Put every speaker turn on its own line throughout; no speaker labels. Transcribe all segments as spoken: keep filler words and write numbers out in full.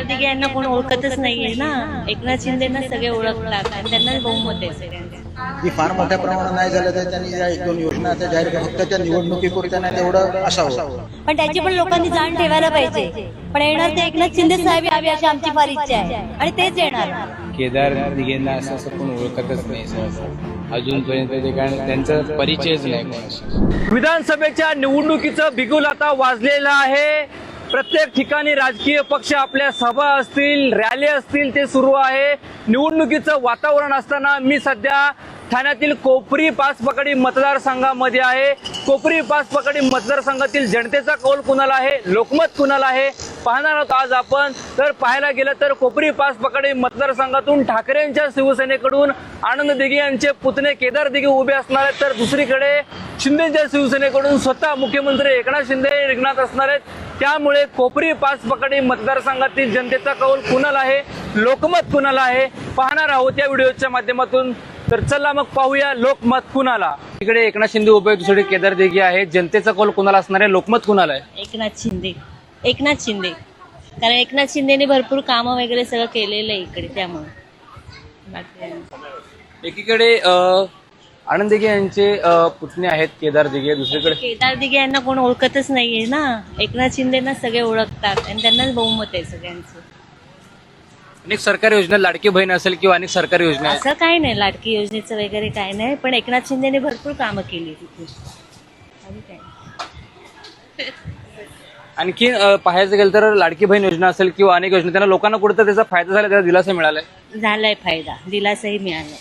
केदार दिघे यांना कोण ओळखतच नाहीये ना. एकनाथ शिंदेना सगळे ओळखतात आणि त्यांना बहुमत आहे सगळ्यांचं.
की फार मोठ्या प्रमाणात नाही झालं तर त्यांनी या एक दोन योजना आता जाहीर केल्या, फक्त त्या निवडणुकीपुरत्या नाही तेवढं असावं.
पण त्याची पण लोकांनी जाण ठेवायला पाहिजे. पण येणार ते एकनाथ शिंदे साहेब यावे अशी आमची फार इच्छा आहे आणि तेच येणार.
केदार दिघेंना असं असं कोण ओळखतच नाही सहसा अजूनपर्यंत, ते कारण त्यांचा परिचयच नाही कोणाशी.
विधानसभेच्या निवडणुकीचं बिगुल आता वाजलेलं आहे. प्रत्येक ठिकाणी राजकीय पक्ष आपल्या सभा असतील, रॅली असतील ते सुरू आहे. निवडणुकीचं वातावरण असताना मी सध्या ठाण्यातील कोपरी पाचपकडी मतदारसंघामध्ये आहे. कोपरी पाचपकडी मतदारसंघातील जनतेचा कौल कुणाला आहे, लोकमत कुणाला आहे पाहणार आहोत आज आपण. तर पाहायला गेलं तर कोपरी पाचपकडी मतदारसंघातून ठाकरेंच्या शिवसेनेकडून आनंद दिघे यांचे पुतणे केदार दिघे उभे असणार आहेत, तर दुसरीकडे शिंदेच्या शिवसेनेकडून स्वतः मुख्यमंत्री एकनाथ शिंदे रिंगणात असणार आहेत. त्यामुळे कोपरी पाचपकडी मतदारसंघातील जनतेचा कौल कुणाला आहे, लोकमत कुणाला आहे पाहणार आहोत या व्हिडिओच्या माध्यमातून. तर चला मग पाहूया लोकमत कुणाला. इकडे एकनाथ शिंदे उभे, दुसरीकडे केदार दिघे आहे. जनतेचा कौल कुणाला असणार आहे, लोकमत कुणाला आहे?
एकनाथ शिंदे. एकनाथ शिंदे कारण एकनाथ शिंदेने भरपूर कामं वगैरे सगळं केलेलं आहे इकडे, त्यामुळे.
एकीकडे आनंद दिघे यांचे पुतणे आहेत केदार दिघे, दुसरीकडे
केदार दिघे यांना कोण ओळखतच नाहीये ना. एकनाथ शिंदेना सगळे ओळखतात आणि त्यांनाच बहुमत आहे सगळ्यांचं.
अनेक सरकारी योजना, लाडकी बहीण असेल किंवा अनेक सरकारी योजना आहेत.
असं काही नाही, लाडकी योजनेचं वगैरे काय नाही, पण एकनाथ शिंदेने भरपूर कामं केली तिथे. आणि काय
आणखी पाहायचं गेलं तर लाडकी बहीण योजना असेल किंवा अनेक योजना, त्यांना लोकांना कुठं त्याचा फायदा झाला, त्याचा दिलासा मिळालाय
झालाय फायदा, दिलासाही मिळाला.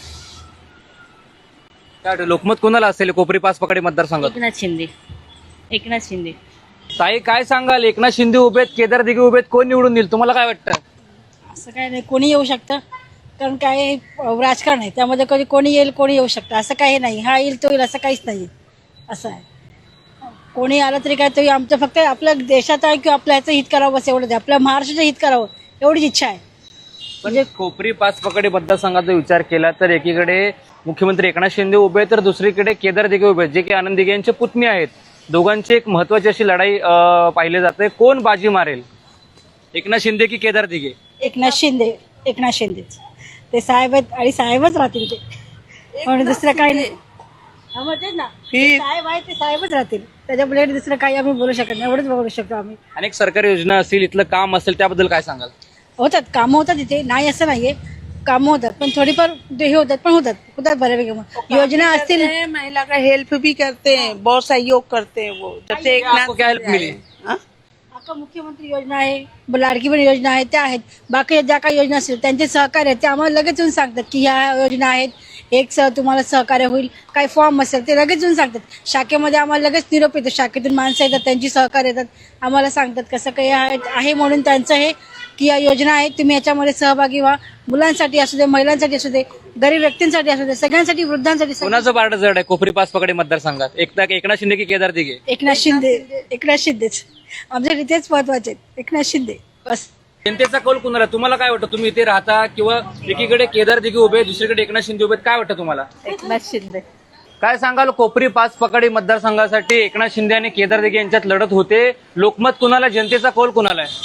काय वाटतं लोकमत कोणाला असेल कोपरी पाचपकडी मतदारसंघात?
एकनाथ शिंदे. एकनाथ शिंदे.
ताई काय सांगाल, एकनाथ शिंदे उभेत, केदार दिघे उभेत, कोण निवडून येईल तुम्हाला काय वाटतं?
असं काय नाही, कोणी येऊ शकतं, कारण काय राजकारण आहे त्यामध्ये, कधी कोणी येईल कोणी येऊ शकतं, असं काही नाही. हा येईल तो येईल असं काहीच नाही. असं आहे, कोणी आलं तरी काय, तरी आमचं फक्त आपल्या देशाचं आहे किंवा आपल्या ह्याचं हित करावं बस एवढंच, आपल्या महाराष्ट्राचं हित करावं एवढीच इच्छा आहे.
म्हणजे कोपरी पाचपकडी मतदारसंघाचा विचार केला तर एकीकडे मुख्यमंत्री एकनाथ शिंदे उभे, तर दुसरीकडे केदार दिघे उभे, जे की आनंद दिघे यांचे पुतणे आहेत. दोघांची एक महत्वाची अशी लढाई पाहिली जाते. कोण बाजी मारेल, एकनाथ शिंदे की केदार दिघे?
एकनाथ शिंदे. एकनाथ शिंदेच ते साहेब आहेत आणि साहेबच राहतील ते, म्हणून दुसरं काही नाही. म्हणतेच ना, साहेब आहे ते साहेबच राहतील, त्याच्यापुढे दुसरं काही आम्ही बोलू शकत नाही, एवढंच बोलू शकतो आम्ही.
अनेक सरकारी योजना असतील, इथलं काम असेल, त्याबद्दल काय सांगाल?
होतात कामं, होतात इथे, नाही असं नाहीये, कामं होतात, पण थोडीफार हे होतात, पण होतात होतात बऱ्यापैकी. योजना असतील,
महिला का हेल्प भी करते हैं, बहुत सहयोग करते हैं वो. जब से
आपको क्या हेल्प मिली?
आता मुख्यमंत्री योजना आहे, लाडकी बहीण योजना आहे, त्या आहेत. बाकी ज्या काही योजना असतील त्यांचे सहकार्य आहेत, ते आम्हाला लगेच येऊन सांगतात की ह्या योजना आहेत, एक सह तुम्हाला सहकार्य होईल. काही फॉर्म असेल ते लगेच येऊन सांगतात. शाखेमध्ये आम्हाला लगेच निरोप येतो, शाखेतून माणसं येतात, त्यांची सहकार्य येतात, आम्हाला सांगतात कसं काही आहे म्हणून त्यांचं हे की या योजना आहेत, तुम्ही याच्यामध्ये सहभागी व्हा. मुलांसाठी असू दे, महिलांसाठी असू दे, गरीब व्यक्तींसाठी असू दे, सगळ्यांसाठी, वृद्धांसाठी.
कोणाचं पारडं जड आहे कोपरी पाचपकडी मतदारसंघात, एकदा एकनाथ शिंदे की केदार दिघे?
एकनाथ शिंदे. एकनाथ शिंदेच आमच्या तेच महत्वाचे, एकनाथ शिंदे बस.
जनतेचा कौल कुणाला, तुम्हाला काय वाटतं? तुम्ही इथे राहता किंवा एकीकडे केदार दिघे उभे, दुसरीकडे एकनाथ शिंदे उभे, काय वाटतं तुम्हाला?
एकनाथ शिंदे.
काय सांगाल, कोपरी पाचपकडी मतदारसंघासाठी एकनाथ शिंदे आणि केदार दिघे यांच्यात लढत होते. लोकमत कुणाला, जनतेचा कौल कुणाला आहे?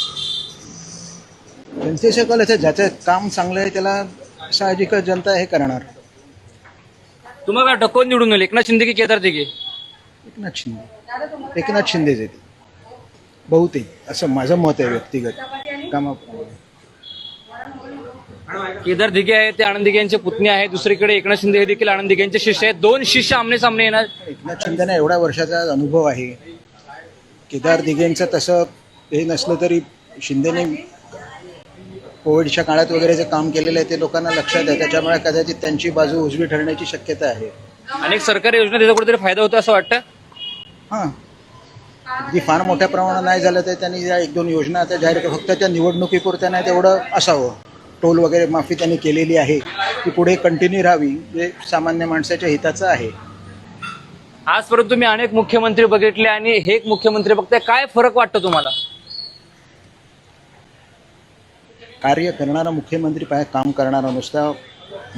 जनतेचे कल आहे, ज्याचं काम चांगलं आहे त्याला साहजिक जनता हे करणार.
तुम्हाला काय वाटतं कोण निवडून येईल, एकनाथ शिंदे की केदार दिघे?
एकनाथ शिंदे. एकनाथ शिंदेच येते बहुतेक, असं माझं मत आहे व्यक्तिगत कामा.
केदार दिघे आहे ते आनंद दिघे यांचे पुतणे आहेत, दुसरीकडे एकनाथ शिंदे हे देखील आनंद दिघे यांचे शिष्य आहेत. दोन शिष्य आमने सामने येणार.
एकनाथ शिंदेना एवढ्या वर्षाचा अनुभव आहे, केदार दिघेंचं तसं हे नसलं तरी शिंदेने कोविडच्या काळात वगैरे जे काम केलेलं आहे ते लोकांना लक्षात आहे, त्याच्यामुळे कदाचित त्यांची बाजू उजवी ठरण्याची शक्यता आहे.
अनेक सरकारी योजना त्याचा कुठेतरी फायदा होतो असं वाटतं?
हां, की फार मोठ्या प्रमाणात नाही झालं तर त्यांनी या एक दोन योजना आता जाहीर केल्या, फक्त त्या निवडणुकीपुरत्या नाही तेवढं असावं. टोल वगैरे माफी त्यांनी केलेली आहे, ती पुढे कंटिन्यू राहावी, जे सामान्य माणसाच्या हिताचं आहे.
आजपर्यंत तुम्ही अनेक मुख्यमंत्री बघितले आणि हे एक मुख्यमंत्री बघताय, काय फरक वाटतो तुम्हाला?
कार्य करणारा मुख्यमंत्री पाहिजे, काम करणारा. नुसता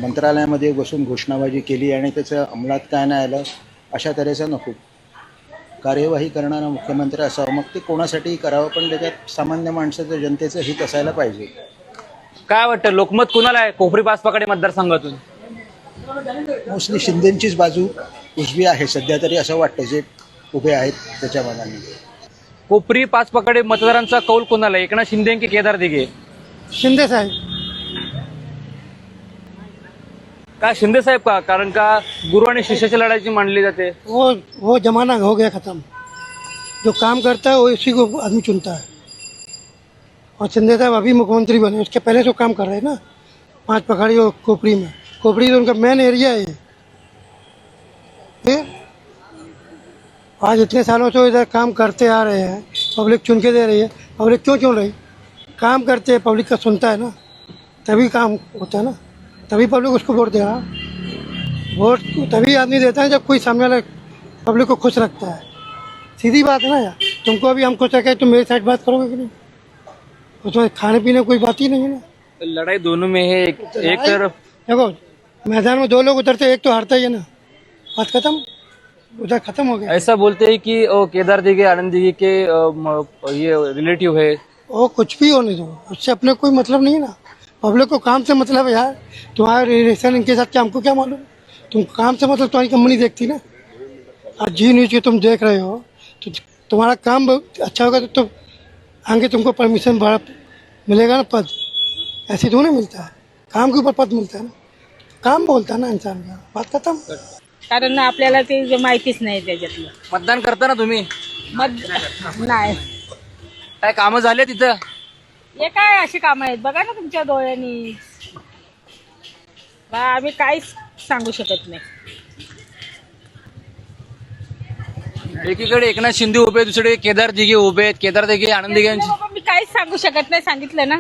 मंत्रालयामध्ये बसून घोषणाबाजी केली आणि त्याचं अंमलात काय नाही आलं अशा तऱ्हेचं नको. कार्यवाही करणारा मुख्यमंत्री असावा. मग ते कोणासाठीही करावं, पण त्याच्यात सामान्य माणसाचं, जनतेचं हित असायला पाहिजे.
काय वाटतं लोकमत कुणाला आहे कोपरी पाचपाकडे मतदारसंघातून?
मोस्टली शिंदेचीच बाजू उजवी आहे सध्या तरी, असं वाटतं जे उभे आहेत त्याच्या मानाने.
कोपरी पाचपाकडे मतदारांचा कौल कोणाला आहे? एकनाथ शिंदे की केदार दिघे?
शिंदे साहेब.
का शिंदे साहेब का? कारण का गुरु आणि शिष्याची लढाई मानली जाते.
वो वो जमाना हो गया खत्म. जो काम करता है वो इसी को आदमी चुनता है. और शिंदे साहब अभी मुख्यमंत्री बने, उसके पहले जो काम कर रहे हैं ना पांच पखाड़ी और खोपड़ी में. खोपड़ी तो उनका मेन एरिया है. ये आज इतने सालों से इधर काम करते आ रहे हैं, पब्लिक चुन के दे रही है. पब्लिक क्यों चुन रही? काम करते हैं, पब्लिक का सुनता है ना, तभी काम होता है ना, तभी पब्लिक उसको वोट दे रहा. वोट तभी आदमी देता है जब कोई सामने वाला पब्लिक को खुश रखता है. सीधी बात है ना यार. तुमको अभी हम खुश रखे, तुम मेरी साइड बात करोगे कि नहीं? उसमें खाने पीने कोई बात ही नहीं है ना.
लड़ाई दोनों में है. एक, एक तरफ
देखो मैदान में दो लोग उतरते, एक तो हारता ही है ना. बात खत्म, उधर खत्म हो गया.
ऐसा बोलते हैं कि ओ, केदार दिघे आनंद दिघे के अ, म, ये रिलेटिव है.
वो कुछ भी होने दो, उससे अपने कोई मतलब नहीं है ना. पब्लिक को काम से मतलब है यार. तुम्हारा रिलेशन इनके साथ क्या हमको क्या मालूम. तुम काम से मतलब तुम्हारी कंपनी देखती ना. आज जी न्यूज की तुम देख रहे हो तो तुम्हारा काम अच्छा होगा तो तुम आगे तुमको परमिशन बड़ा मिलेगा ना, पद. ऐसे थोड़ी मिलता है, काम के ऊपर पद मिलता है ना. काम बोलता है ना इंसान का. बात खत्म.
कारण आपल्याला ते माहितीच नाही त्याच्यातलं.
मतदान करता ना तुम्ही?
मत नाही.
काय कामं झाले तिथं?
हे काय अशी कामं आहेत बघा ना तुमच्या डोळ्यांनी. बा आम्ही काहीच सांगू शकत नाही.
एकीकडे एकनाथ शिंदे उभे, दुसरीकडे केदार दिघे उभे आहेत. केदार दिघे आनंद दिघे यांची
बाबा मी काहीच सांगू शकत नाही, सांगितलं ना.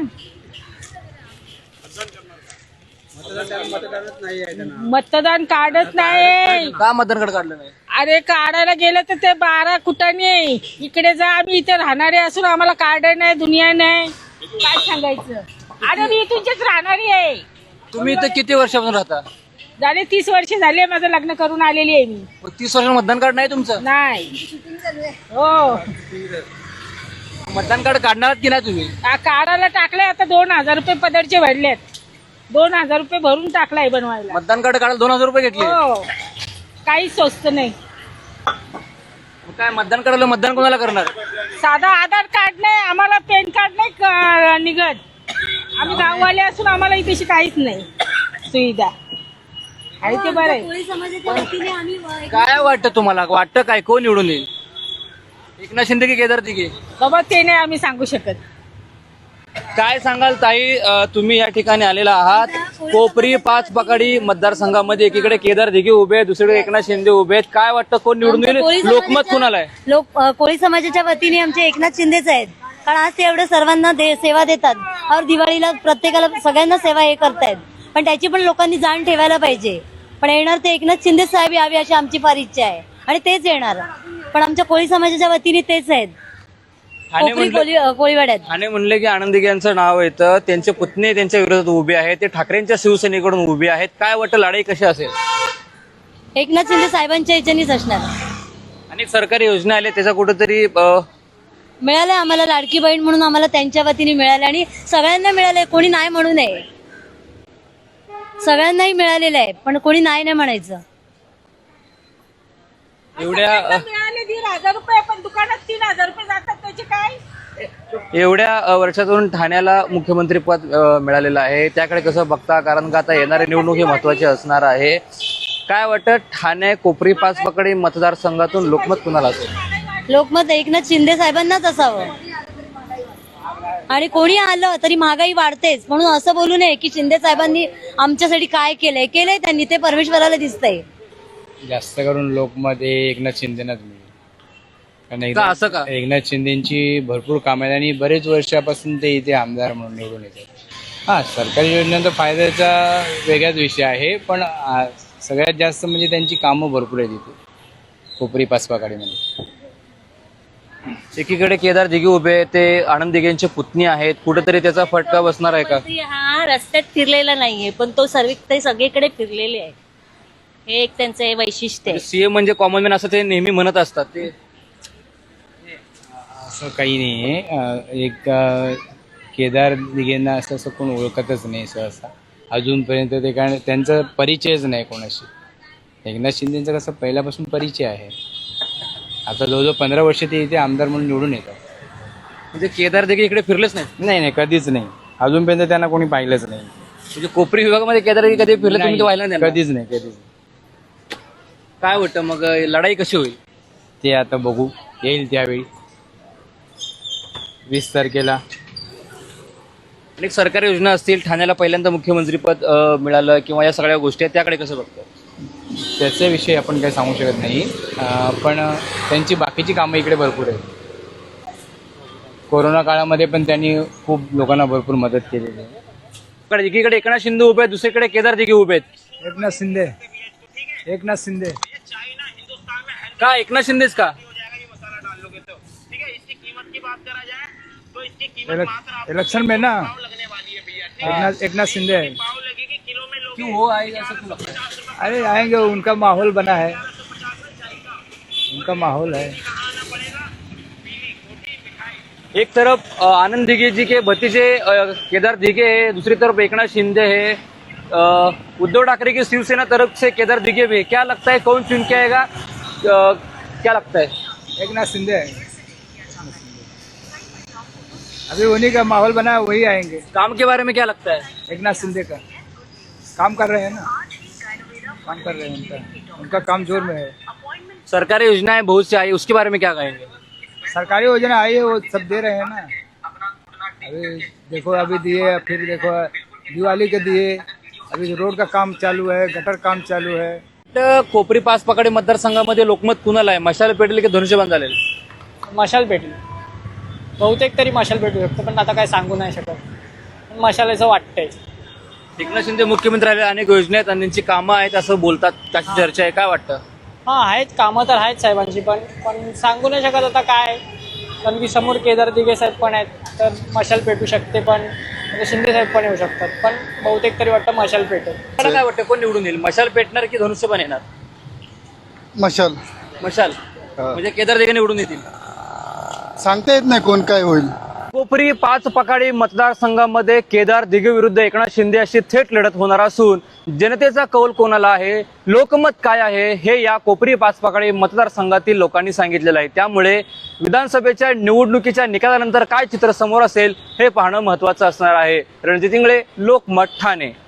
मतदान कार्डच नाही.
का मतदान कार्ड काढलं नाही?
अरे काढायला गेलं तर ते बारा कुटाने आहे. इकडे जा, आम्ही इथे राहणारे असून आम्हाला कार्ड नाही, दुनिया नाही. काय सांगायचं. अरे मी इथूनच राहणारी आहे.
तुम्ही इथं किती वर्षापासून राहता?
झाले तीस वर्ष झाले माझं लग्न करून आलेली आहे मी.
मग तीस वर्ष मतदान कार्ड नाही तुमचं?
नाही. हो
मतदान कार्ड काढणार की नाही तुम्ही?
आ, काढायला टाकलंय आता. दोन हजार रुपये पदरचे भरलेत. दोन हजार रुपये भरून टाकलाय बनवायला.
मतदान कार्ड काढायला दोन हजार रुपये घेतले?
हो काही स्वस्त नाही.
मग काय मतदान कार्डाला मतदान कोणाला करणार?
साधा आधार कार्ड नाही आम्हाला, पॅन कार्ड नाही क- निघत. आम्ही गाववाले असून आम्हाला इथे काहीच नाही सुविधा. आहे ते बरं आहे.
काय वाटतं तुम्हाला? वाटतं काय कोण निवडून येईल? एकनाथ शिंदे की केदार दिघे?
बाबा ते नाही आम्ही सांगू शकत.
काय सांगाल ताई, अ, तुम्ही या ठिकाणी आलेला आहात कोपरी पाच पकाडी मतदारसंघामध्ये. एकीकडे केदार दिघे उभे आहेत, दुसरीकडे एकनाथ शिंदे उभे आहेत. काय वाटतं कोण निवडून येईल? लोकमत कुणाला आहे?
लोक अ, कोळी समाजाच्या वतीने आमचे एकनाथ शिंदेच आहेत. कारण आज ते एवढं सर्वांना दे, सेवा देतात. और दिवाळीला प्रत्येकाला सगळ्यांना सेवा हे करतायत. पण त्याची पण लोकांनी जाण ठेवायला पाहिजे. पण येणार ते एकनाथ शिंदे साहेब यावे अशी आमची फार इच्छा आहे आणि तेच येणार. पण आमच्या कोळी समाजाच्या वतीने तेच आहेत.
ठाणे
कोपरी
म्हणलं-
कोळी अ, कोळीवाड्यात
ठाणे म्हणले की आनंद दिघे यांचं नाव येतं. त्यांचे पुतणे त्यांच्या विरोधात उभे आहेत. ते ठाकरेंच्या शिवसेनेकडून उभे आहेत. काय वाटतं लढाई कशी असेल?
एकनाथ शिंदे साहेबांच्या याच्यानेच असणार.
अनेक सरकारी योजना आल्या त्याचा कुठेतरी अ,
मिळालं आम्हाला लाडकी बहीण म्हणून आम्हाला त्यांच्या वतीने मिळाले आणि सगळ्यांना मिळालंय. कोणी नाही म्हणू नये. सगळ्यांनाही मिळालेलं आहे पण कोणी नाही नाही म्हणायचं.
एवढ्या अ,
मिळाले दीड हजार रुपये पण दुकानात तीन हजार रुपये जातात. त्याचे काय?
एवढ्या अ, वर्षातून ठाण्याला मुख्यमंत्री पद अ, मिळालेलं आहे. त्याकडे कसं बघता? कारण का आता येणारी निवडणूक ही महत्वाची असणार आहे. काय वाटतं ठाणे कोपरी पाच पकडी मतदारसंघातून लोकमत कुणाला असेल?
लोकमत एकनाथ शिंदे साहेबांनाच असावं. आणि कोणी आलं तरी महागाई वाढतेच म्हणून असं बोलू नये की शिंदे साहेबांनी आमच्यासाठी काय केलंय. केलंय त्यांनी, ते परमेश्वराला दिसतंय.
जास्त करून लोकमत हे एकनाथ शिंदेनाच मिळेल. कारण
का असं का?
एकनाथ एकनाथ शिंदेची भरपूर कामं आहेत आणि बरेच वर्षापासून ते इथे आमदार म्हणून निवडून येतात. हा, सरकारी योजनांचा फायद्याचा वेगळाच विषय आहे, पण आ, सगळ्यात जास्त म्हणजे त्यांची कामं भरपूर आहेत इथे कोपरी पाचपाकाडीमध्ये.
एकीकडे केदार दिघे उभे आहेत, ते आनंद दिघेंचे पुतणी आहेत. कुठेतरी त्याचा फटका बसणार आहे का?
हा रस्त्यात फिरलेला नाहीये पण तो सर्व ते सगळीकडे फिरलेले आहे. हे एक त्यांचं हे वैशिष्ट्य आहे.
सीएम म्हणजे कॉमन मॅन असं ते नेहमी म्हणत असतात. ते
असं काही नाही आहे. एक अ, केदार दिघेंना असं असं कोण ओळखतच नाही सहसा अजूनपर्यंत. ते कारण त्यांचा परिचयच नाही कोणाशी. एकनाथ शिंदेचा कसं पहिल्यापासून परिचय आहे. आता जवळजवळ पंधरा वर्ष ते इथे आमदार म्हणून निवडून येतात.
म्हणजे केदार देखील इकडे फिरलेच नाही.
नाही नाही कधीच नाही. अजूनपर्यंत त्यांना कोणी पाहिलंच नाही.
म्हणजे कोपरी विभागामध्ये केदार देखील कधी फिरले तुम्ही ते पाहिलं नाही त्यांना?
कधीच नाही कधीच नाही.
काय वाटतं मग लढाई कशी होईल?
ते आता बघू, येईल त्यावेळी वीस तारखेला.
अनेक सरकारी योजना असतील, ठाण्याला पहिल्यांदा मुख्यमंत्रीपद अ, मिळालं किंवा या सगळ्या गोष्टी आहेत, त्याकडे कसं बघतो?
त्याच्याविषयी आपण काही सांगू शकत नाही. अं, पण त्यांची बाकीची कामं इकडे भरपूर आहेत. कोरोना काळामध्ये पण त्यांनी खूप लोकांना भरपूर मदत केलेली आहे.
इकडे- एकीकडे एकनाथ शिंदे उभे आहेत, दुसरीकडे केदार दिघे उभे आहेत.
एकनाथ शिंदे एकनाथ शिंदे
का एकनाथ शिंदेच का?
इलेक्शन में ना एकनाथ एकनाथ शिंदे है.
क्यों हो आहे असं तुला लगता है?
अरे आएंगे, उनका माहौल बना है, उनका माहौल है.
एक तरफ अ, आनंद दिघे जी के भतीजे अ, केदार दिघे है, दूसरी तरफ एकनाथ शिंदे है. अ, उद्धव ठाकरे की शिवसेना तरफ से केदार दिघे भी है. क्या लगता है कौन चुन के आएगा? अ, क्या लगता है?
एकनाथ शिंदे है. अभी उन्हीं का माहौल बना है, वही आएंगे.
काम के बारे में क्या लगता है?
एकनाथ शिंदे का काम कर रहे हैं ना, काम कर रहे हैं. उनका उनका काम जोर में है.
सरकारी योजनाएं बहुत सी आई, उसके बारे में क्या कहेंगे?
सरकारी योजना आई है, वो सब दे रहे हैं ना. अभी देखो, अभी दिए, फिर देखो दिवाली के दिए. अभी रोड का काम चालू है, गटर काम चालू है.
तर कोपरी पाच पकडे मतदारसंघामध्ये लोकमत कुणाला आहे? मशाल पेटेल की धनुष्यबाण झालेल?
मशाल पेटेल. बहुतेक तरी मशाल पेटू शकतं, पण आता काय सांगू नाही शकत. पण मशाल असं वाटतंय.
एकनाथ शिंदे मुख्यमंत्री आले, अनेक योजना आहेत आणि त्यांची कामं आहेत असं बोलतात, त्याची चर्चा आहे. काय वाटतं?
हां आहेत कामं तर आहेत साहेबांची, पण पण सांगू नाही शकत आता काय. कारण की समोर केदार दिघे साहेब पण आहेत, तर मशाल पेटू शकते, पण म्हणजे शिंदे साहेब पण येऊ शकतात. पण बहुतेक तरी वाटतं मशाल पेटेल.
मला काय वाटतं कोण निवडून येईल? मशाल पेटणार की धनुष्यबाण येणार?
मशाल
मशाल म्हणजे केदार दिघे निवडून येतील.
सांगता येत नाही कोण काय होईल.
कोपरी पाच पकाडी मतदारसंघामध्ये केदार दिघे विरुद्ध एकनाथ शिंदे अशी थेट लढत होणार असून जनतेचा कौल कोणाला आहे, लोकमत काय आहे, हे या कोपरी पाच पकाडी मतदारसंघातील लोकांनी सांगितलेलं आहे. त्यामुळे विधानसभेच्या निवडणुकीच्या निकालानंतर काय चित्र समोर असेल हे पाहणं महत्त्वाचं असणार आहे. रणजित इंगळे, लोकमत, ठाणे.